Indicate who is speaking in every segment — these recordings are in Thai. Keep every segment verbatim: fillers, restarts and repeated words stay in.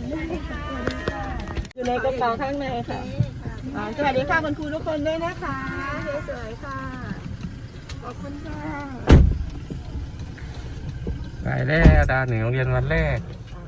Speaker 1: อยู่ในกระเป๋าข้างในค่ะสวัสดีค่ะคุณครูทุกคนด้วยนะคะสวยๆค่ะขอบคุณค่ะ
Speaker 2: ไปแล้วดาวหนึ่งโรงเรียนวันแรก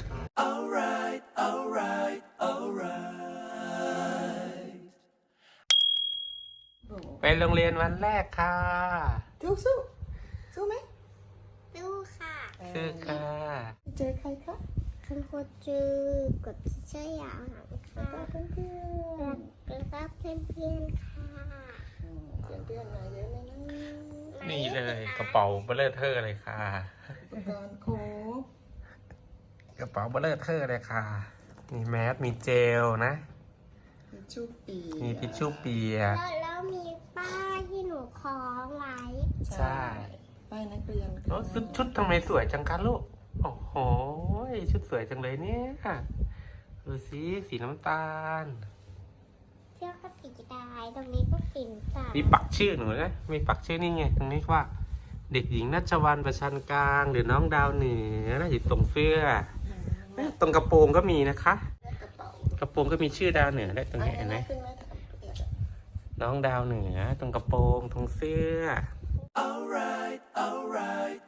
Speaker 2: ไปโรงเรียนวันแรกค่ะ
Speaker 1: สู้สู้สู้ไหม
Speaker 3: สู้ค่ะ
Speaker 2: ชื่อค่ะ
Speaker 1: เจอใครคะ
Speaker 3: คุณครูจือกดที่ชื่ออย่างค่ะ
Speaker 1: แล้วก็เพื่อนเพื่อน
Speaker 3: แล้วก็เพื่อนเพื่อนๆค่ะ
Speaker 1: เพื่อนเพื่อนมาเยอะเลยนะ
Speaker 2: นี่เลยกระเป๋าเบลเลอร์เทอร์เลยค่ะ
Speaker 1: อุปกรณ์ครบ
Speaker 2: กระเป๋าเบลเลอร์เทอร์เลยค่ะมีแมสมีเจลนะ
Speaker 1: มีชูปี
Speaker 2: มีทิชชู่เปีย
Speaker 3: แล้วแล้วมีป้ายที่หนูคล้องไว้
Speaker 2: ใช่
Speaker 1: ป้ายนักเรียน
Speaker 2: แล้วชุดชุดทำไมสวยจังคะลูกโอ้โหชุดสวยจังเลยเนี่ยดูสิสีน้ำตาล
Speaker 3: เที่ยวก็สีดายตรงนี้ก็สีสัน
Speaker 2: มีปักชื่อหนูนะมีปักชื่อนี่ไงตรงนี้ว่า เด็กหญิงนัชวันประชันกลางหรือน้องดาวเหนือนะอยู่ตรงเสื้อตรงกระโปรงก็มีนะคะ
Speaker 1: กระเป๋าก
Speaker 2: ระโปรงก็มีชื่อดาวเหนือได้ตรงนี้เห็นไหม
Speaker 1: ขึ้นไหม
Speaker 2: น้องดาวเหนือตรงกระโปรงตรงเสื้อ
Speaker 4: Alright, alright,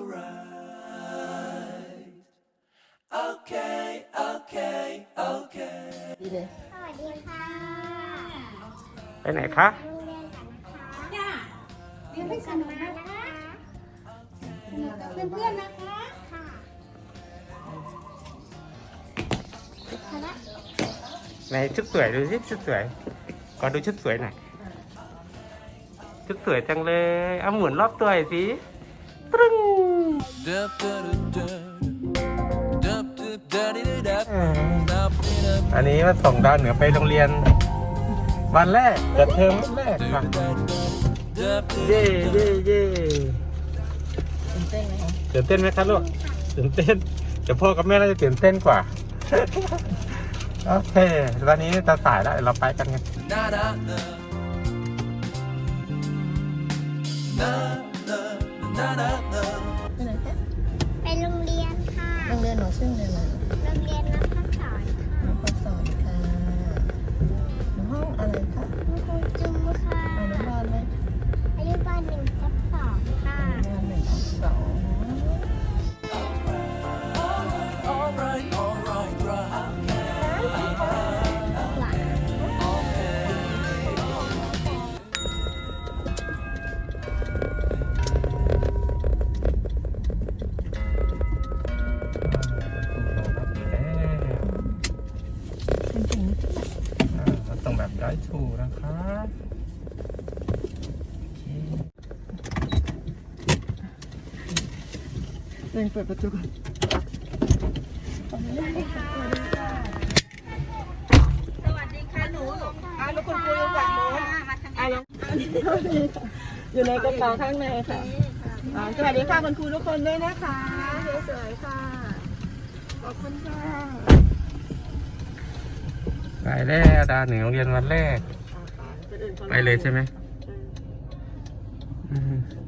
Speaker 4: alright. Okay, okay, okay.
Speaker 1: ดีเลย
Speaker 3: สวัสดีค่ะ
Speaker 2: ไปไหนคะ
Speaker 3: โรงเรียนกันนะคะ
Speaker 5: จ้าเรียนให้ส
Speaker 3: กลับ
Speaker 5: นุก
Speaker 3: มา
Speaker 5: นะ
Speaker 3: นะคะ
Speaker 5: เพื่อนเพื่อนๆนะคะ
Speaker 3: ค่ะคณะ
Speaker 2: ไหนชุดสวยดูสิชุดสวยก่อนดูชุดสวยหน่อยชุดสวยจังเลยเอาหมุนรอบตัวหน่อยสิปรึ้ง
Speaker 4: Dup, dup, dup, dup, dup, dup, dup, dup,
Speaker 2: อันนี้มาส่งดาวเหนือไปโรงเรียน วันแรกเปิดเทอมวันแรกค่ะ
Speaker 4: dup,
Speaker 2: เย่เย่เย่
Speaker 1: ตื่นเต้นไหมคะ
Speaker 2: ตื่นเต้นไหมคะลูกตื่นเต้นเดี๋ยวพ่อกับแม่น่าจะตื่นเต้นกว่า โอเคตอนนี้จะสายแล้วเดี๋ยวเราไปกันไง
Speaker 4: na na na. Na na na na na.
Speaker 1: ไปไหนคะ
Speaker 3: ไปโรงเรียนค่ะ
Speaker 1: โรงเรียนหนูชื่อโรงเรียนอะไร
Speaker 3: โรงเรียนนักพัฒสอนค่ะ
Speaker 1: น้องพสอนค่ะห้องอะไรคะ
Speaker 3: คุณครูจุ้มค่ะ
Speaker 1: อนุบาลไหม
Speaker 3: อนุบาลหนึ่งทับสองค่ะ
Speaker 1: อนุบาลหนึ่งทับสอง
Speaker 4: Alright, alright, right.
Speaker 3: หลัง
Speaker 2: ต้องแบบได้ถูกนะคะ
Speaker 1: เร่งเปิดประตูก่อน
Speaker 5: สวัสดีค่ะหนูลง
Speaker 1: อ่าแล้วคุณครูอยู่ฝั่งโน้น
Speaker 5: มาทาง
Speaker 1: อ่า
Speaker 5: นี้
Speaker 1: แล้วอยู่ในกระเป๋าข้างในค่ะอ่าสวัสดีค่ะคุณครูทุกคนด้วยนะคะสวยๆค่ะขอบคุณค่ะ
Speaker 2: ไปแล้วดาวเหนือโรงเรียนวันแรก ไปเลยใช่ไหมอืม